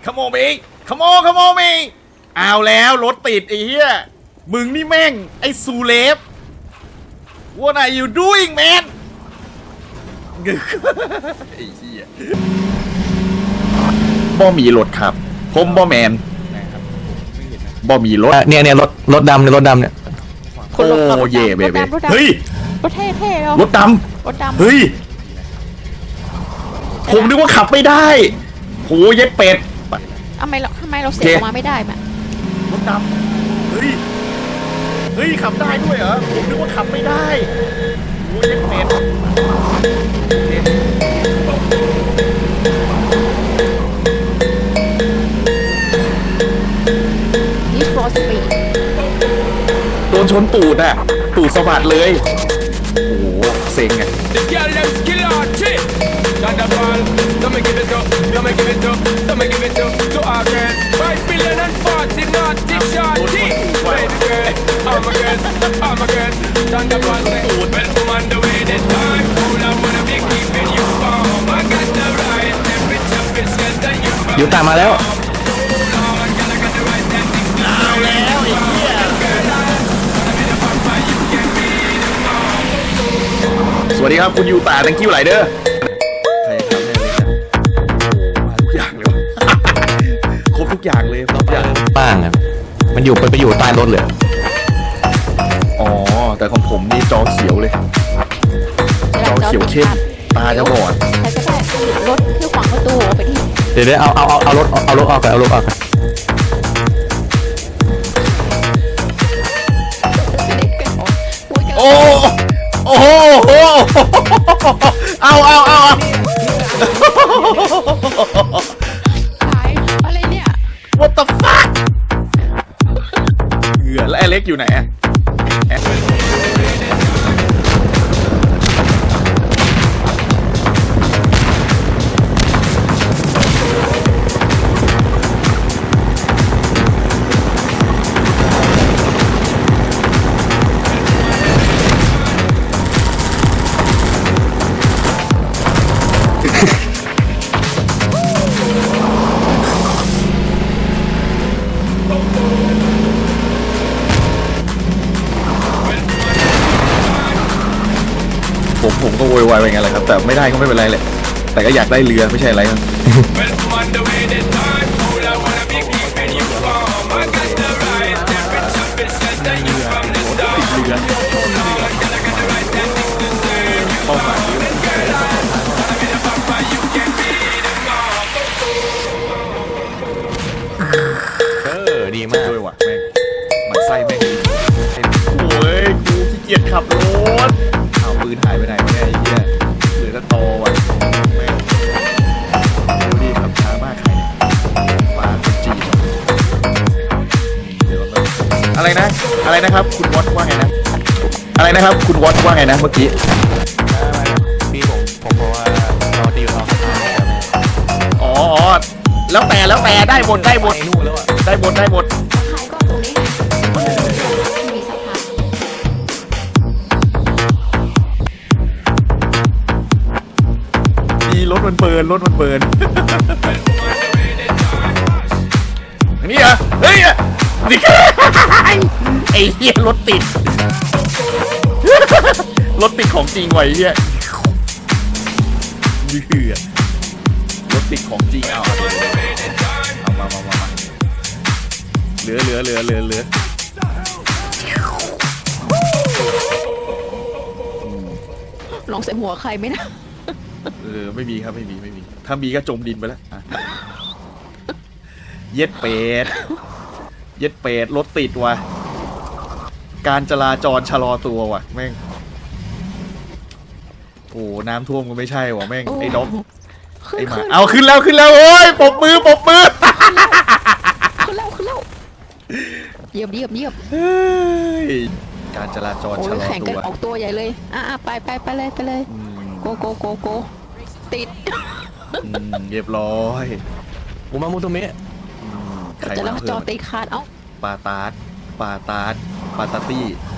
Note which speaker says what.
Speaker 1: come on ไปอีก come on ไปเอาแล้วรถติดไอ้เหี้ยมึงนี่แม่งไอ้ซูเลฟ What are you doing man ไอ้เหี้ยบ่มีรถครับผมบ่แมนบ่มีรถ
Speaker 2: เนี่ยรถดำเนี่ย
Speaker 1: โอ้เย่เบเบ้เฮ้ย
Speaker 3: รถเท่ๆเรา
Speaker 1: รถดำเฮ้ยผมนึกว่าขับไม่ได้โหเย็ดเป็ด
Speaker 3: ทำไมเราเสียออกมาไม่ได้มาร
Speaker 1: ถดำเฮ้ยขับได้ด้วยเหรอผมนึกว่าขับไม่ได้โหเย็ดเป็ด
Speaker 3: นี่ฟอร์สปีด
Speaker 1: โดนชนตูดอ่ะตูดสะบัดเลยโอ้โหเซ็งอ่ะ
Speaker 2: อยู่ตามมาแล้ว
Speaker 1: สวัสดีครับคุณยูตา thank you หลายเด้อใครทำให้เลยมาทุกอย่างเลยวะครบทุกอย่างเลยครบทุกอย่าง
Speaker 2: บ้างครับมันไปอยู่ใต้รถเลย
Speaker 1: อ๋อแต่ของผมนี่จอเขียวเลยจอเขียวเข้มตาจะบอด
Speaker 3: ใครก็ได้รถที่ขวางประตูไปที่
Speaker 2: เดี๋ยวเอารถออกกัน
Speaker 1: โอ้โหเอา
Speaker 3: ขายอะไรเนี่ย
Speaker 1: What the fuck เหงื่อแล้วไอเล็กอยู่ไหนอะผมก็โวยวายไปงั้นแหละครับแต่ไม่ได้ก็ไม่เป็นไรแหละแต่ก็อยากได้เรือไม่ใช่อะไรครับ
Speaker 2: ดีมาก
Speaker 1: ด้วยว่ะแม่งมันไส้แม่งโอ้ยกูขี้เกียจขับรถเอาปืนหายไปไหนวะเนี่ยไอ้เหี้ยเหลือแต่ตอว่ะแม่งดูดิขับช้ามากใครเนี่ยฟ้าคนจีนเดี๋ยวอะไรนะครับคุณวอตว่าไงนะอะไรนะครับคุณวอตว่าไงนะเมื่อกี้
Speaker 2: พี่ผมเพราะว่าเราดีเรา
Speaker 1: อ๋อแล้วแต่ได้หมดได้หมด
Speaker 3: ขายก็ตรงนี้มีสะพาน
Speaker 1: ดีรถมันเบิร์นอันนี้เหรอเฮ้ยนี่ไอ้เหี้ยรถติดของจริงไว้เหี้ยนี่คือรถติดของจริงเอามาเหลือ
Speaker 3: ลองใส่หัวใครไหมนะ
Speaker 1: ไม่มีครับไม่มีถ้ามีก็จมดินไปแล้วเย็ดเป็ดรถติดว่ะการจราจรชะลอตัวว่ะแม่งโอ้น้ำท่วมก็ไม่ใช่ว่ะแม่งไอ้ด็อกไอ้หมาเอาขึ้นแล้วโอ้ยปบมือ
Speaker 3: ขึ้นแล้วเยียบ
Speaker 1: การจราจรชะลอตัวแข่งกัน
Speaker 3: ออกตัวใหญ่เลยไปเลยโกติด
Speaker 1: เรียบร้อย
Speaker 2: มามุตุเมะ
Speaker 3: จะรับจอตีขาดเอ้า
Speaker 1: ปาตาร์ปาตาตี้